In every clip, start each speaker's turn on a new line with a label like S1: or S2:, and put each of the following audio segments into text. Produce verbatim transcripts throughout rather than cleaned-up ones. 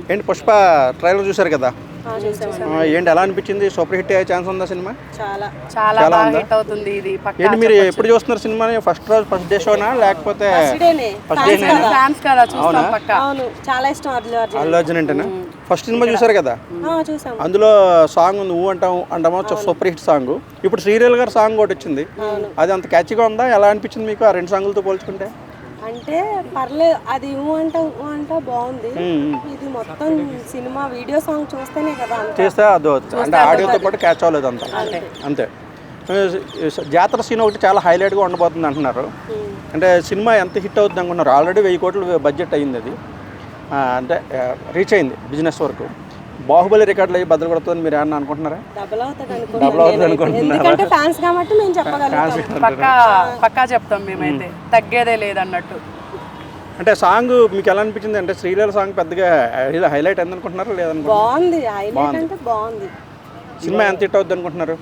S1: ఏంటి పుష్ప ట్రైలర్ చూసారు కదా, ఏంటి ఎలా అనిపించింది? సూపర్ హిట్ అయ్యే ఛాన్స్ ఉందా సినిమా?
S2: చాలా
S3: చాలా బాగా హిట్ అవుతుంది ఇది.
S1: ఏంటి మీరు ఎప్పుడు చూస్తున్నారు సినిమాని? ఫస్ట్ రోజు ఫస్ట్ డే షోనా లేకపోతే ఫస్ట్ డే
S3: ఫ్యాన్స్ కదా చూస్తాం పక్క.
S2: అవును, చాలా ఇష్టం అల్లు అర్జున్.
S1: అల్లు అర్జున్ అంటేనా? ఫస్ట్ సినిమా చూసారు కదా, అందులో సాంగ్ ఉంది ఊ అంటాం అంటామో సూపర్ హిట్ సాంగ్. ఇప్పుడు శ్రీరేల్ గారి సాంగ్ ఒకటి వచ్చింది, అది అంత క్యాచ్గా ఉందా? ఎలా అనిపించింది మీకు ఆ రెండు సాంగులతో పోల్చుకుంటే?
S2: అంటే పర్లేదు, అది ఊ అంటా ఊ అంటా బాగుంది. ఇది మొత్తం సినిమా వీడియో సాంగ్ చూస్తేనే కదా
S1: చేస్తే అది అంటే ఆడియోతో పాటు క్యాచ్ అవ్వలేదు అంత అంతే. జాతర సీన్ ఒకటి చాలా హైలైట్గా ఉండబోతుంది అంటున్నారు. అంటే సినిమా ఎంత హిట్ అవుతుంది అనుకున్నారు? ఆల్రెడీ వెయ్యి కోట్ల బడ్జెట్ అయ్యింది, అది అంటే రీచ్ అయింది బిజినెస్ వరకు. బాహుబలి రికార్డులు అయ్యి బద్దలు కొడుతుందని మీరు ఏమన్నా అనుకుంటున్నారా?
S2: డబుల్ అవుతుంది అనుకుంటున్నారా? ఫ్యాన్స్ కాబట్టి మేము చెప్పగలుగుతాం,
S3: పక్కా పక్కా చెప్తాం మేమైతే, తగ్గేదే లేదన్నట్టు.
S1: అంటే సాంగ్ మీకు ఎలా అనిపించింది? అంటే శ్రీలీల సాంగ్ పెద్దగా హైలైట్ అయింది అనుకుంటున్నారా లేదనుకుంటున్నారా?
S2: బాగుంది, హైలైట్ అంటే బాగుంది.
S1: సినిమా ఎంత హిట్ అవుతుంది అనుకుంటున్నారు?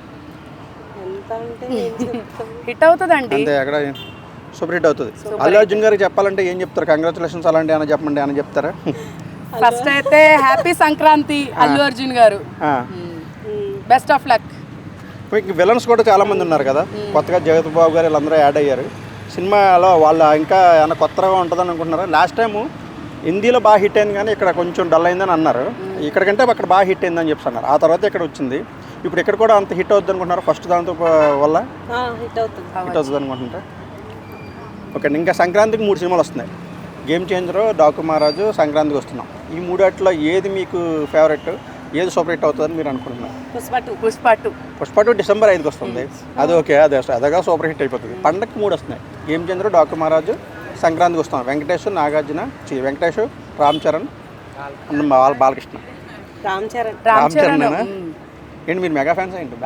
S2: ఎంత అంటే
S3: హిట్ అవుతుందండి,
S1: అంతే ఎక్కడ సూపర్ హిట్ అవుతుంది. అల్లు అర్జున్ గారికి చెప్పాలంటే ఏం చెప్తారు? కంగ్రాచులేషన్స్ అలాంటి ఏమైనా చెప్పండి, ఏమైనా చెప్తారా?
S3: ఫస్ట్ అయితే హ్యాపీ సంక్రాంతి అల్లు అర్జున్ గారు, బెస్ట్ ఆఫ్ లక్.
S1: మీకు విలన్స్ కూడా చాలా మంది ఉన్నారు కదా, కొత్తగా జగత్ బాబు గారు వీళ్ళందరూ యాడ్ అయ్యారు సినిమాలో. వాళ్ళు ఇంకా ఏమైనా కొత్తగా ఉంటుందని అనుకుంటున్నారా? లాస్ట్ టైము హిందీలో బాగా హిట్ అయింది కానీ ఇక్కడ కొంచెం డల్ అయిందని అన్నారు, ఇక్కడికంటే అక్కడ బాగా హిట్ అయిందని చెప్తున్నారు. ఆ తర్వాత ఇక్కడ వచ్చింది, ఇప్పుడు ఇక్కడ కూడా అంత హిట్ అవుతుంది అనుకుంటున్నారు ఫస్ట్ దాంతో వల్ల?
S2: హిట్ అవుతుంది
S1: హిట్ అవుతుంది అనుకుంటుంటే ఓకే. ఇంకా సంక్రాంతికి మూడు సినిమాలు వస్తున్నాయి, గేమ్ చేంజరు, డాకు మహారాజు, సంక్రాంతికి వస్తున్నాం. ఈ మూడాట్లో ఏది మీకు ఫేవరెట్, ఏది సూపర్ హిట్ అవుతుందని మీరు అనుకుంటున్నారు?
S3: Pushpa two Pushpa two
S1: Pushpa two December ఐదుకి వస్తుంది, అది ఓకే, అదే అదగా సూపర్ హిట్ అయిపోతుంది. పండగకి మూడు వస్తున్నాయి, గేమ్ చేంజరు, డాకు మహారాజు, సంక్రాంతికి వస్తున్నాం. వెంకటేష్, నాగార్జున, చి వెంకటేష్, రామ్ చరణ్, వాళ్ళ బాలకృష్ణ.
S2: రామ్ చరణ్
S1: రామ్ చరణ్ ఏంటి మీరు మెగా ఫ్యాన్స్ ఏంటి?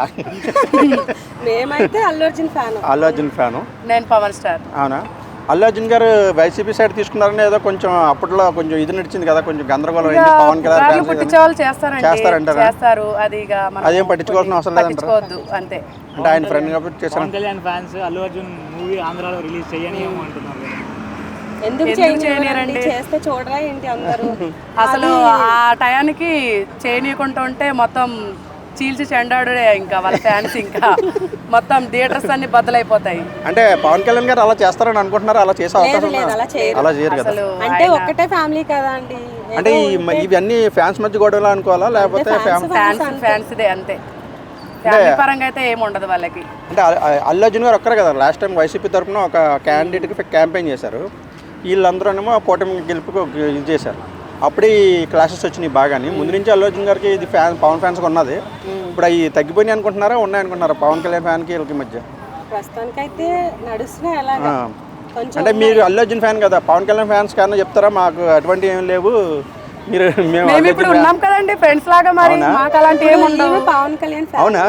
S2: మేమైతే అల్లు అర్జున్ ఫ్యాన్.
S1: అల్లు అర్జున్ ఫ్యాను,
S3: నేను పవన్ స్టార్.
S1: అవునా? అల్లు అర్జున్ గారు వైసీపీ సైడ్ తీసుకున్నారని ఏదో కొంచెం అప్పట్లో కొంచెం ఇది నడిచింది కదా, కొంచెం గందరగోళం అయింది. పవన్ కళ్యాణ్
S3: చేస్తారు, అది
S1: అదేం పట్టించుకోవాల్సిన అవసరం లేదంటారు.
S3: అంతే,
S1: అంటే ఆయన ఫ్రెండ్ కాబట్టి చేశారు.
S4: పవన్ కళ్యాణ్ ఫ్యాన్స్ అల్లు అర్జున్ మూవీ ఆంధ్రాలో రిలీజ్ చేయని అంటున్నారు.
S2: ఎందుకు చేయనిరండి, చేస్తే చూడరా ఏంటి అందరూ?
S3: అసలు ఆ టయానికి చేయనీయకుండా ఉంటే మొత్తం చీల్చి చెండాడుడే ఇంకా వాళ్ళ ఫ్యాన్స్, ఇంకా మొత్తం థియేటర్స్ అన్ని బద్దలైపోతాయి.
S1: అంటే పవన్ కళ్యాణ్ గారు అలా చేస్తారని అనుకుంటున్నారు? అలా చేసే అవకాశం అలా చేయరు కదా,
S2: అంటే ఒక్కటే ఫ్యామిలీ కదా అండి.
S1: అంటే ఇవన్నీ ఫ్యాన్స్ మధ్య గొడవలు అనుకోవాలా లేకపోతే
S3: ఫ్యాన్స్ ఫ్యాన్స్ దే అంతే, ఫ్యామిలీ పరంగా అయితే ఏమి ఉండదు వాళ్ళకి.
S1: అంటే అల్లు అర్జున్ గారు ఒక్కరే కదా, లాస్ట్ టైం వైసీపీ తరఫున ఒక క్యాండిడేట్కి క్యాంపెయిన్ చేశారు, వీళ్ళందరూనేమో కూటమి గెలుపుకి ఇది చేశారు. అప్పుడే ఈ క్లాసెస్ వచ్చినాయి బాగాని. ముందు నుంచి అల్లు అర్జున్ గారికి ఇది ఫ్యాన్ పవన్ ఫ్యాన్స్కి ఉన్నది, ఇప్పుడు అవి తగ్గిపోయినాయి అనుకుంటున్నారా ఉన్నాయి అనుకుంటున్నారా పవన్ కళ్యాణ్ ఫ్యాన్కి వీళ్ళకి మధ్య?
S2: ప్రస్తుతానికైతే నడుస్తున్నాయి అలాగా.
S1: అంటే మీరు అల్లు అర్జున్ ఫ్యాన్ కదా, పవన్ కళ్యాణ్ ఫ్యాన్స్ కానీ చెప్తారా మాకు అటువంటి ఏం లేవు, మీరు
S3: మేము ఇప్పుడు ఉన్నాం కదండి ఫ్రెండ్స్ లాగా, మరి మాకు అలాంటి ఏమి ఉండవు.
S2: పవన్ కళ్యాణ్
S1: అవునా?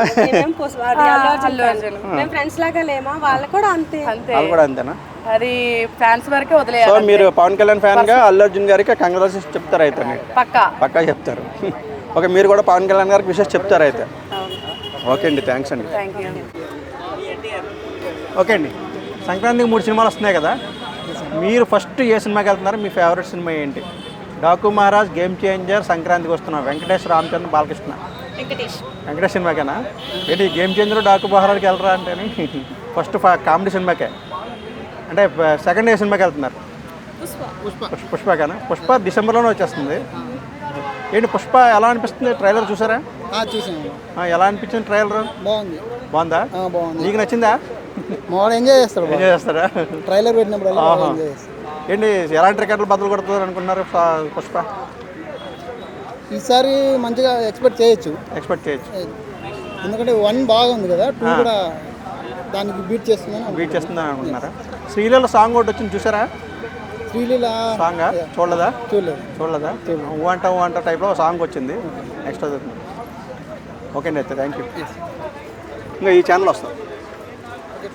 S2: ఫ్రెండ్స్ లాగా లేమా? వాళ్ళు కూడా అంతే.
S1: వాళ్ళు కూడా అంతేనా?
S3: అది ఫ్యాన్స్ వరకే వదిలేయాలి.
S1: సో మీరు పవన్ కళ్యాణ్ ఫ్యాన్ గా అల్లు అర్జున్ గారికి కంగ్రాచులేషన్స్ చెప్తారు అయితే?
S3: పక్కా
S1: పక్కా చెప్తారు. ఓకే, మీరు కూడా పవన్ కళ్యాణ్ గారికి విషయం చెప్తారు అయితే? ఓకే అండి, థ్యాంక్స్ అండి. ఓకే అండి, సంక్రాంతికి మూడు సినిమాలు వస్తున్నాయి కదా, మీరు ఫస్ట్ ఏ సినిమాకి వెళ్తున్నారు? మీ ఫేవరెట్ సినిమా ఏంటి? డాకు మహారాజ్, గేమ్ చేంజర్, సంక్రాంతికి వస్తున్నాం, వెంకటేష్, రామ్ చరణ్, బాలకృష్ణ. వెంకటేష్ సినిమాకేనా? ఏంటి గేమ్ చేంజర్, డాకు మహారాజ్కి వెళ్ళరా అంటే? ఫస్ట్ కామెడీ సినిమాకే అంటే సెకండ్ ఏ సినిమాకి వెళ్తున్నారు? పుష్పకేనా? పుష్ప డిసెంబర్లోనే వచ్చేస్తుంది. ఏంటి పుష్ప ఎలా అనిపిస్తుంది? ట్రైలర్ చూసారా?
S5: చూసాను.
S1: ఎలా అనిపించింది ట్రైలర్?
S5: బాగుంది.
S1: బాగుందా?
S5: బాగుంది.
S1: నీకు నచ్చిందా?
S5: మామూలు ఎంజాయ్ చేస్తారు.
S1: ఎంజాయ్ చేస్తారా?
S5: ట్రైలర్ పెట్టినప్పుడు
S1: ఏంటి ఎలాంటి రికార్డులు బదులు కొడుతుంది అనుకున్నారు పుష్ప?
S5: ఈసారి మంచిగా ఎక్స్పెక్ట్ చేయొచ్చు.
S1: ఎక్స్పెక్ట్ చేయొచ్చు
S5: ఎందుకంటే వన్ బాగుంది కదా, టూ కూడా దానికి బీట్ చేస్తుందని
S1: బీట్ చేస్తుందని అనుకుంటున్నారా? శ్రీలీల సాంగ్ ఒకటి వచ్చింది చూసారా?
S5: శ్రీలీల
S1: సాంగ్ చూడలేదా?
S5: చూడలేదు.
S1: చూడలేదా? ఊ అంట ఊ అంట టైప్లో సాంగ్ వచ్చింది, నెక్స్ట్ అది. ఓకే అండి అయితే థ్యాంక్ యూ. ఇంకా ఈ ఛానల్ వస్తుంది.